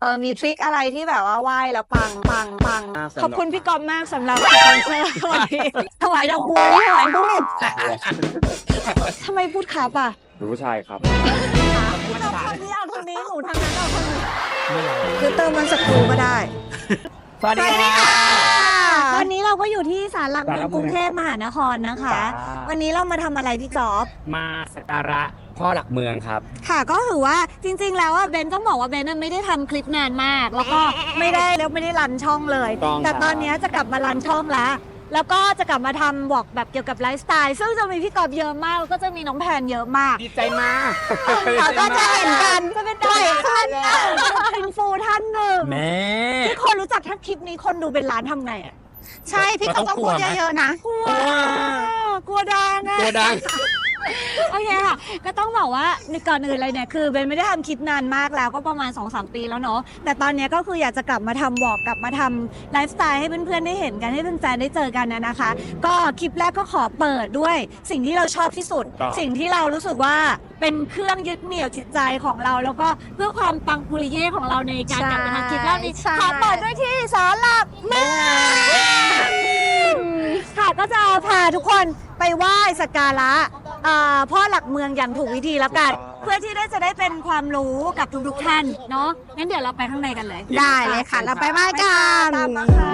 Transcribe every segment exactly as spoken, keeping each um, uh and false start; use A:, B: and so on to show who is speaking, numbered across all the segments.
A: ออมีทริคอะไรที่แบบว่าไหว้แล้วปังปังปังขอบคุณพี่กอมมากสำหรับสปอนเซอร์วันนี้ถวายดอกบัวถวายบุญทำไมพูดครับอ่ะ
B: รู้ผู้ชายครับ
A: เราคนนี้เอาคนนี้หนูทางนั้นเอาคนนี้คือเติมมันสักครูก็ได้
C: สวัสดีค่ะ
A: วันนี้เราก็อยู่ที่ศาลหลักเมืองกรุงเทพมหานครนะคะวันนี้เรามาทำอะไรพี่จ๊อบ
C: มาสักการะพ่อหลักเมืองครับ
A: ค่ะก็ถือว่าจริงๆแล้วเบนต้องบอกว่าเบนไม่ได้ทำคลิปนานมากแล้วก็ไม่ได้แล้วไม่ได้รันช่องเลยแต่ตอนนี้จะกลับมารันช่องแล้วแล้วก็จะกลับมาทำบอกแบบเกี่ยวกับไลฟ์สไตล์ซึ่งจะมีพี่กอบเยอะมากแล้วก็จะมีน้องแพนเยอะมาก
C: ดีใจมาก
A: ก็จะเห็นกันจะเป็นได้ท่านอินฟูท่านหนึ่ง
C: แม่
A: ที่คนรู้จักทั้งคลิปนี้คนดูเป็นล้านทำไงอ่ะใช่พี่กอบก็พูดเยอะๆนะกลัวกลัวดัง
C: กลัวดัง
A: โอเคค่ะก็ต้องบอกว่าในก่อนอื่นเลยเนี่ยคือเบนไม่ได้ทำคลิปนานมากแล้วก็ประมาณ สองสาม ปีแล้วเนาะแต่ตอนนี้ก็คืออยากจะกลับมาทำวอล์กกลับมาทำไลฟ์สไตล์ให้เพื่อนๆได้เห็นกันให้แฟนๆได้เจอกันนะนะคะก็คลิปแรกก็ขอเปิดด้วยสิ่งที่เราชอบที่สุดสิ่งที่เรารู้สึกว่าเป็นเครื่องยึดเหนี่ยวจิตใจของเราแล้วก็เพื่อความปังปุริเย่ของเราในการกลับมาทำคลิปแรกนี้ขอเปิดด้วยที่ศาลหลักเมืองค่ะก็จะพาทุกคนไปไหว้สักการะพ่อหลักเมืองอย่างถูกวิธีแล้วกันเพื่อที่ได้จะได้เป็นความรู้กับทุกๆท่านเนาะงั้นเดี๋ยวเราไปข้างในกันเลย
D: ได้เลยค่ะเราไปไหว้กัน
A: ตามมาค่ะ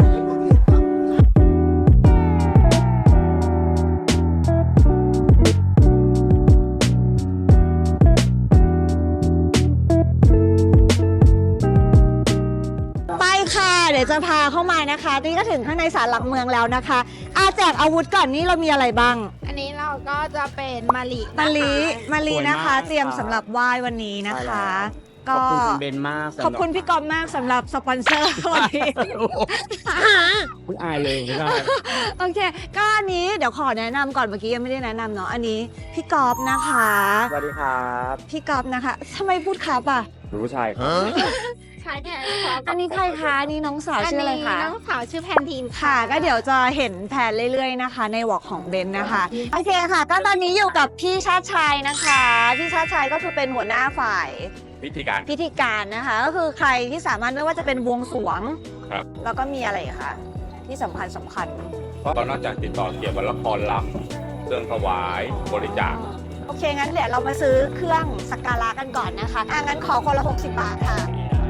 A: ไปค่ะเดี๋ยวจะพาเข้ามานะคะนี่ก็ถึงข้างในศาลหลักเมืองแล้วนะคะอาแจกอาวุธก่อนนี่เรามีอะไรบ้าง
D: อันนี้เราก็จะเป็นมะลิ
A: มะลิมะลินะคะเตรียมสำหรับไหว้วันนี้นะคะ
C: ก็ขอบคุณเบนมาก
A: ขอบคุณพี่กอมมากสำหรับสปอนเซอร์วันนี้
C: พูดอายเลยไม่ได้
A: โอเคก็อันนี้เดี๋ยวขอแนะนำก่อนเมื่อกี้ยังไม่ได้แนะนำเนาะอันนี้พี่กอมนะคะ
C: สวัสดีครับ
A: พี่กอมนะคะทำไมพูดครับอ่ะ
B: รู้ผู้ชายครับ
A: อันนี้ใครคะนี่น้องสาวชื่ออะไรคะ
D: น้องสาวชื่อแพนทีน
A: ค่ะก็เดี๋ยวจะเห็นแผนเรื่อยๆนะคะในวอล์กของเบนนะคะโอเคค่ะก็ตอนนี้อยู่กับพี่ชาติชัยนะคะพี่ชาติชัยก็คือเป็นหัวหน้าฝ่าย
B: พิธีการ
A: พิธีการนะคะก็คือใครที่สามารถไม่ว่าจะเป็นบวงสรวง
B: ครับ
A: แล้วก็มีอะไรคะที่สำคัญสำคัญ
B: ก็นอกจากติดต่อเกี่ยวกับละครลำเครื่องถวายบริจาค
A: โอเคงั้นเดี๋ยวเรามาซื้อเครื่องสักการะกันก่อนนะคะอ่ะงั้นขอคนละหกสิบบาทค่ะ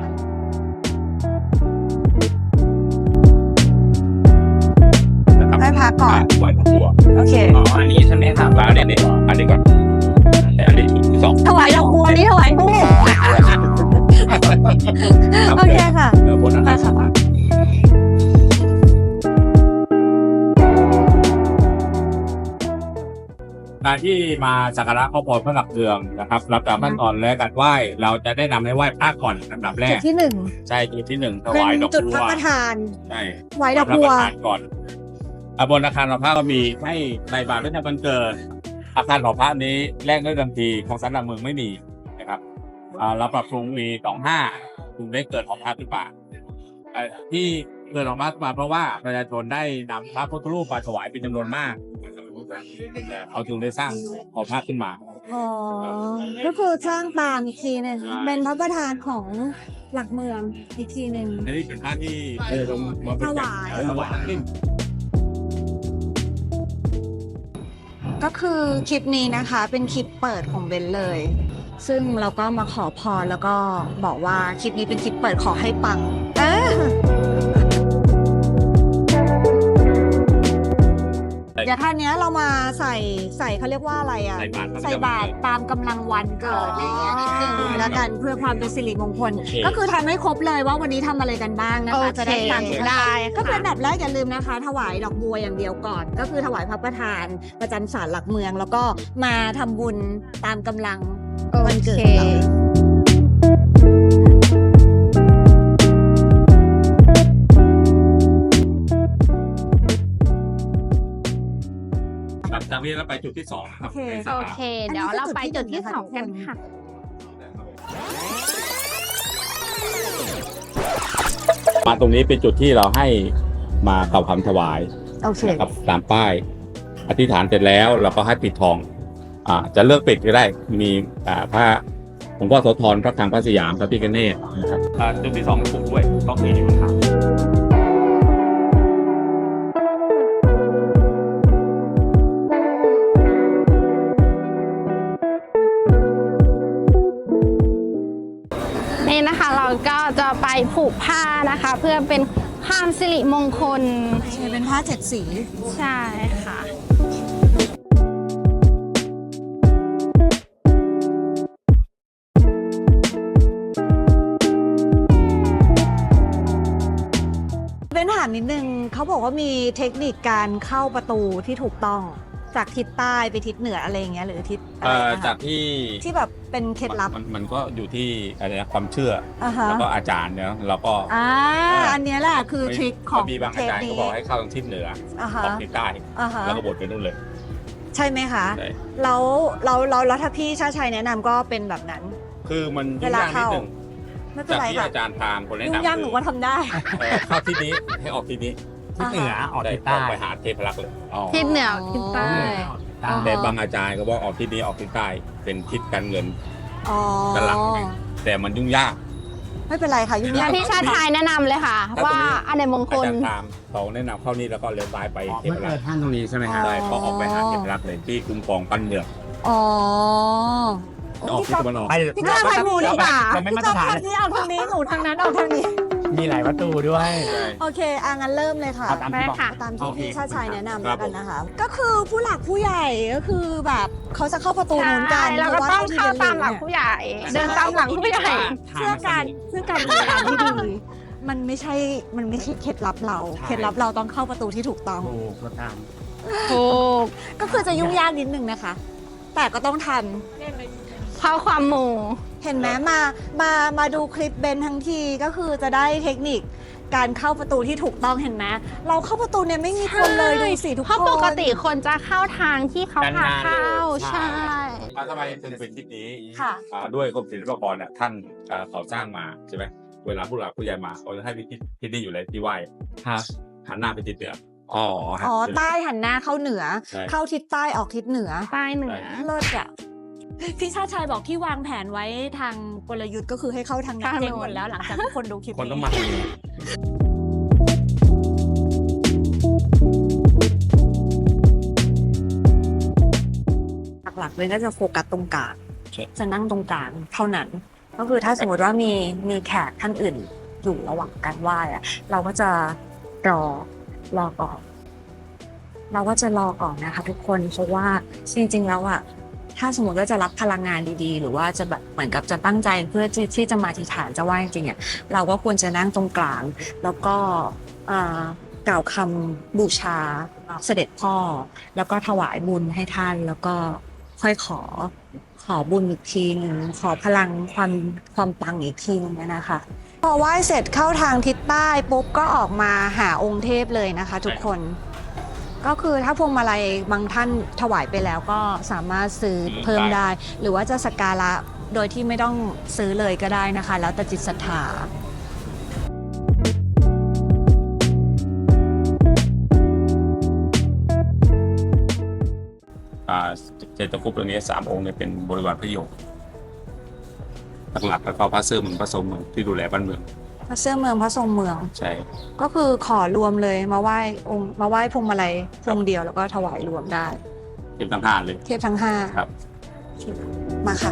A: ให้พักก่อน
B: ไหว้ดอกบัว
A: โอเค
C: อ๋ออันนี้ใช่ไหมครับ
B: แล้วเนี่ยเนี่ยอันนี้ก่อนอันนี้สอง
A: ถวายดอกบัวนี่ถวายบุญโอเคค่ะ
B: เดี๋ยวบนนะครับการที่มาสักการะขอพรพระหลักเมืองนะครับรับจากขั้นตอนแรกการไหว้เราจะได้นำให้ไหว้พระก่อนอันดับแรก
A: จุดที่หนึ่ง
B: ใช่จุดที่หนึ่งถวายดอกบัว
A: จุดพระประธาน
B: ใช่
A: ถวายดอกบัว
B: ก่อนบนอาคารหอพระก็มีให้ในบาทพระเจ้าวันเกิดอาคารหอพระนี้แรกด้วยเดิมทีของศาลหลักเมืองไม่มีนะครับเราปรับปรุงมีสองห้าปรุงได้เกิดหอพระขึ้นมาที่เกิดหอพระขึ้นมาเพราะว่าประชาชนได้นำพระพุทธรูปมาถวายเป็นจำนวนมากเขาจึงได้สร้างหอพระขึ้นมา
A: อ๋อก็คือสร้างปางอีกทีนึงเป็นพระประธานของหลักเมืองอีกทีนึง
B: นี่เป็นพระที่ลงมา
A: ถวาย
B: ถวายขึ้น
A: ก็คือคลิปนี้นะคะเป็นคลิปเปิดของเบนเลยซึ่งเราก็มาขอพรแล้วก็บอกว่าคลิปนี้เป็นคลิปเปิดขอให้ปังเออเดี๋ยวท่านนี้เรามาใส่ใส่เขาเรียกว่าอะไรอ่ะใส่บาตรตามกำลังวันเกิดอะไรเงี้ยนิดนึงแล้วกันเพื่อความเป็นสิริมงคลก็คือทำให้ครบเลยว่าวันนี้ทำอะไรกันบ้างนะคะจะได้ตังค์ได้ก็เป็นแบบแรกอย่าลืมนะคะถวายดอกบัวอย่างเดียวก่อนก็คือถวายพระประธานประจำศาลหลักเมืองแล้วก็มาทำบุญตามกำลังวันเกิดเรา
B: จากนี้เราไปจุดที่สองครับ
D: โอเคเดี๋ยวเราไปจุดที่สองกันค่ะ
B: มาตรงนี้เป็นจุดที่เราให้มากล่าวคำถวาย
A: นะครับ
B: ตามป้ายอธิษฐานเสร็จแล้วเราก็ให้ปิดทองอ่าจะเลือกปิดก็ได้มีอ่าพระหลวงพ่อโสธรพระคลังพระสยามพระพิฆเนศนะครับอ่าจุดที่สองปลูกด้วยต้องมีครับ
D: นี่นะคะเราก็จะไปผูกผ้านะคะ เพื่อเป็นความสิริมงคล
A: ใช่เป็นผ้าเจ็ดสี
D: ใช่ค่ะ
A: เป็นถามนิดนึงเขาบอกว่ามีเทคนิคการเข้าประตูที่ถูกต้องจากทิศใต้ไปทิศเหนืออะไรอย่างเงี้ยหรือทิศอะไร
B: เอ่อ
A: นะคะ
B: จากที่
A: ที่แบบเป็นเคล็ดลับ
B: มันมันก็อยู่ที่อะไรนะความเชื่อ
A: อ่าฮะ
B: แล้วก็อาจารย์เนี่ยเราก็
A: อ่า
B: เอ่ออั
A: อันเนี้ยแหละคือทริคของ
B: มีบาง
A: เท
B: อา
A: ป
B: จารย์
A: นี้
B: ก็บอกให้เข้าทางทิศเหนือ
A: อ่า
B: อ
A: ฮะ
B: อกทิศใต้
A: อ่าฮะ
B: แล้วก็บดไปนู่นเลย
A: ใช่ไหมคะ
B: ใช่
A: แล้วเราเราแล้วถ้าพี่ชาชัยแนะนำก็เป็นแบบนั้น
B: คือมัน
A: เว
B: ยุ่ง
A: ลาย
B: ากนิด
A: เข้า
B: หนึง
A: ไม่เป็น
B: จาก
A: ไร
B: ที่
A: ค่ะ
B: อาจารย์พามคนแนะ
A: ยุ่ง
B: นำ
A: ยากหนู
B: คือ
A: ก็ทำได้
B: เอ่อเข้าที่นี้ให้ออกที่นี้
C: ทิศเหนือออก
B: ได้
C: ทิศ
B: อ
C: ใต้
B: อกไปหาเทพรักษ์เลยอ๋อ
D: ทิศเหนือทิศใต้
A: อ๋อ
B: แต่บางอาจารย์ก็บอกออกที่นี้ออกทิศใต้เป็นทิศการเงิน
A: อ๋อ
B: กันหลัง แต่มันยุ่งยาก
A: ไม่เป็นไรค่ะยุ่งยา
D: งั้
A: ก
D: นพี่ชาติชายแนะนำเลยค่ะ
B: ถ้าตรง
D: ว่า
B: นี้
D: อันไหนมงค
B: อา
D: ล
B: จารย์ตามเขาแนะนำเข้านี่แล้วก็เลี้ยวซ้ายไป
C: อ๋อ
B: เท
C: เมื่
B: พ
C: อ
B: รั
C: เจ
B: ก
C: อ
B: ษ์
C: ท่านตรงนี้ใช่ไหมครับ
B: ใช่ก็ออกไปหาเทพรักษ์เลยที่คุ้มครองปั้นเมือง
A: อ๋อ
B: ออกที่ตะวันออก
C: ไป
A: พี่ชาติไปหมู่ดีกว่า
C: เราไม่มา
A: พี่
C: ตร
A: ชา
C: ฐาน
A: ติที่เอาทางนี้หนูทางนั้นเอาทางนี้
C: มีหลายประตูด้วย
A: โอเคอ่ะงั้นเริ่มเลยค่ะ
C: เอาตามที่บอก
D: ได้ค่ะ
A: ตามที่
C: โอเค
A: พี่ชาติชายแนะนำ
B: ครั
A: แล้
B: บ
A: วกันนะคะ ก็คือผู้หลักผู้ใหญ่ก็คือแบบเขาจะเข้าประตูนู้นกัน
D: ใช่เราก็ต้องเข้าตามหลัง
A: เพระ
D: ผู้ใหญ่ เดินตามหลังผู้ใหญ่
A: ว่าเพื่อการเพื่อการบริการที่ดีมันไม่ใช่มันไม่ใช่เคล็ดลับเรา
C: ใช่
A: เคล็ดลับเราต้องเข้าประตูที่ถูกต้อง
C: ถูกก็ตาม
D: ถูก
A: ก็คือจะยุ่งยากนิดนึงนะคะ แต่ก็ต้องทำ
D: เข้าความหมู่
A: เห็นไหมมามามาดูคลิปเบนทั้งทีก็คือจะได้เทคนิคการเข้าประตูที่ถูกต้องเห็นไหมเราเข้าประตูเนี่ยไม่มีคนเลยดูสิทุกคน
D: เพราะปกติคนจะเข้าทางที่เขาพาเข้า
C: ใช่
D: ใช่
B: อ่าทำไมถึงเป็นทิศนี้
A: ค่ะ
B: อ่าด้วยกรมศิลปากรเนี่ยท่านอ่าเขาสร้างมาใช่ไหมเวลาผู้หลักผู้ใหญ่มาเขาจะให้ไปที่ที่นี่อยู่เลยที่ไหว้
C: ครับ
B: หันหน้าไปทิศเหนืออ๋อฮะ
A: อ๋อใต้หันหน้าเข้าเหนือ
B: ใช่
A: เข้าทิศใต้ออกทิศเหนือ
D: ใต้เหนือ
A: เลิศอ่ะพี่ชาติชายบอกที่วางแผนไว้ทางกลยุทธ์ก็คือให้เข้าทางนั้น
D: ทางโน้น
A: เจ๊งหมดแล้วหลังจากทุกคนดูคลิป
B: คนต้อง
A: นี้
B: มาทางนี้
A: หลักๆเลยก็จะโฟกัสตรงกลางจะนั่งตรงกลางเท่านั้น ก็คือถ้าสมมติว่ามีมีแขกท่านอื่นอยู่ระหว่างการไหว้อะเราก็จะรอรอก่อน เราก็จะรอก่อนนะคะทุกคนเพราะว่าจริงๆแล้วอะถ้าสมมติว่าจะรับพลังงานดีๆ หรือว่าจะแบบเหมือนกับจะตั้งใจเพื่อที่ที่จะมาอธิษฐานจะไหว้จริงๆอะเราก็ควรจะนั่งตรงกลาง แล้วก็อ่ากล่าวคำบูชาเสด็จพ่อ แล้วก็ถวายบุญให้ท่าน แล้วก็ค่อยขอขอบุญอีกทีหนึ่งขอพลังความความปังอีกทีหนึงนะคะ พอไหว้เสร็จเข้าทางทิศใต้ปุ๊บก็ออกมาหาองค์เทพเลยนะคะ ทุกคน ก็คือถ้าพวงมาลัยบางท่านถวายไปแล้วก็สามารถซื้อเพิ่มได้ หรือว่าจะสักการะโดยที่ไม่ต้องซื้อเลยก็ได้นะคะ แล้วแต่จิตศรัทธา
B: อ่าเจตคุปต์ตัวนี้สามองค์เนี่ยเป็นบริวารพระโยคหลักๆแล้วก็พระเสื้อเมืองพระทรงเมืองที่ดูแลบ้านเมือง
A: พระเสื้อเมืองพระทรงเมือง
B: ใช่
A: ก็คือขอรวมเลยมาไหว้องค์มาไหว้พวงมาลัยพวงเดียวแล้วก็ถวายรวมได้
B: เก็บทั้งห้าเลย
A: เทพทั้งห้า
B: ครับ
A: มาค่ะ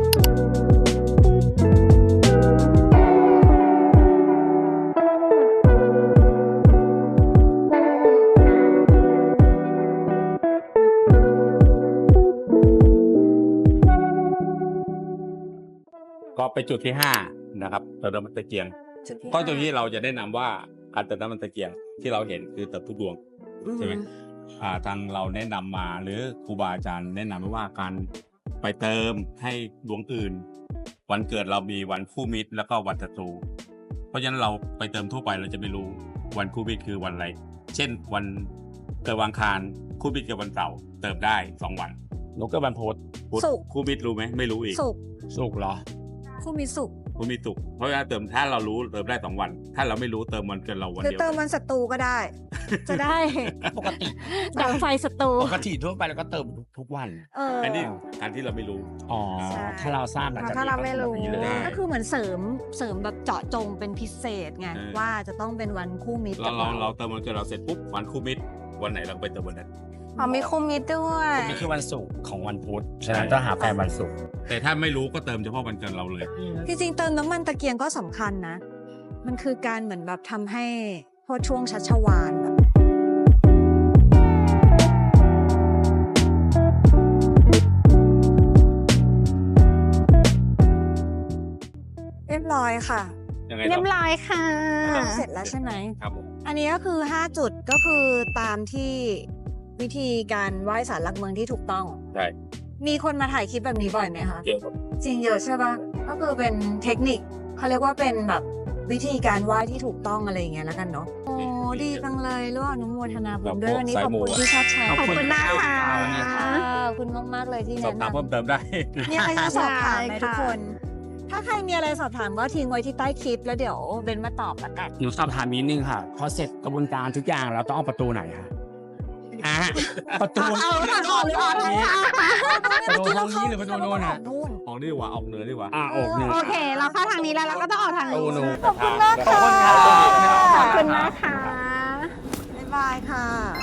B: ก็ไปจุดที่ห้านะครับเติมน้ำมันตะเกียงก็ตรงนี้เราจะแนะนำว่าการเติมน้ำมันตะเกียงที่เราเห็นคือเติมทุกดวง ใช่ไหม อ่าทางเราแนะนำมาหรือครูบาอาจารย์แนะนำไว้ว่าการไปเติมให้ดวงอื่น วันเกิดเรามีวันคู่มิตรแล้วก็วันศัตรูเพราะฉะนั้นเราไปเติมทั่วไปเราจะไม่รู้วันคู่มิตรคือวันอะไร เช่นวันเกิดวันอังคารคู่มิตรกับวันเสาร์เติมได้สองวันนกก็วันพุธพุธ
A: ศุกร์
B: คู่มิตรรู้ไหมไม่รู้อีก
A: สุกร์
C: สุกเหรอ
A: ผู้มีสุข
B: คุณมีสุขเพราะว่าเติมถ้าเรารู้เติมได้สองวัน ถ้าเราไม่รู้เติมมันเกินเราวัน
A: คือ
B: เดียว
A: เติมมันศัตรูก็ได้ จะได้
C: ปกติ
A: ดับไฟศัตรู
C: ปกติทั่วไปเราก็เติมทุกวัน
A: เออ
B: อันนี้การที่เราไม่รู้
C: อ๋อ
A: ใช่
C: ถ้าเราทราบหลังจาก
D: ถ้าเราไม่รู้
C: นี้เลย
A: ก็คือเหมือนเสริมเสริมแบบเจาะจงเป็นพิเศษไง
B: เออ
A: ว่าจะต้องเป็นวันคู่มิตร
B: เรา
A: กับ
B: เรา
A: เรา
B: เราเติมมันเกินเราเสร็จปุ๊บวันคู่มิตรวันไหนเราไปเติมวันนั้น
D: อ๋อมีคุมมิตรด้วย
C: นี่คือวันศุกร์ของวันพุธฉะนั้นต้องหาแฟนวันศุกร์
B: แต่ถ้าไม่รู้ก็เติมเฉพาะวันเกินเราเลย
A: จริงๆเติมน้ำมันตะเกียงก็สำคัญนะ มันคือการเหมือนแบบทำให้โพชฌวงชัชวาลแบบเรียบร้อยค่ะ
B: ยังไง
D: เรีย
B: ต่
D: บ
B: อ
D: ร้อยค่ะ
A: เสร็จแล้วใช่ไหม
B: ครับผม
A: อันนี้ก็คือ ห้า จุดก็คือตามที่วิธีการไหว้ศาลหลักเมืองที่ถูกต้อง
B: ใช่
A: มีคนมาถ่ายคลิปแบบนี้บ่อยไหมคะ
B: เกี่ยวกับ
A: จริงเยอะใช่ปะก็คือเป็นเทคนิคเขาเรียกว่าเป็นแบบวิธีการไหว้ที่ถูกต้องอะไรอย่างเงี้ยแล้วกันเนาะ โอ้ดีจังเลยร่วมอนุโมทนาบุญด้วยวันนี้ขอบคุณที่ชอบแชร์
D: ขอบคุณมากค่ะ
A: ขอบคุณมากๆเลยที่
B: สอบ
A: แนะ
B: ถาม
A: นำ
B: เพิ่มเติมได้
A: มีอะไรจะสอบถามไหม
D: ได้ค่ะ
A: ทุกคน ถ้าใครมีอะไรสอบถามก็ทิ้งไว้ที่ใต้คลิปแล้วเดี๋ยวเบนมาตอบละกัน
C: หนูสอบถามนิดนึงค่ะ พอเสร็จกระบวนการทุกอย่างเราต้องเอาประตูไหนคะอ่ะประตู
A: เอาทางออกหรือออกทางนี้
C: ประตูห้องนี้หรือประตูโน้นอ่ะ
A: นู่น
B: ออกนี่ดีกว่าออกเหนือดีกว่า
C: อ่ะอกหนึ่ง
D: โอเค เราเข้าทางนี้แล้วเราก็ต้องออกทาง
C: ประตู
D: นี้
C: โน้น
A: ขอบคุณมากค่ะ
C: ขอบคุณครับ
D: ขอบคุณมากค่ะ
A: บ๊ายบายค่ะ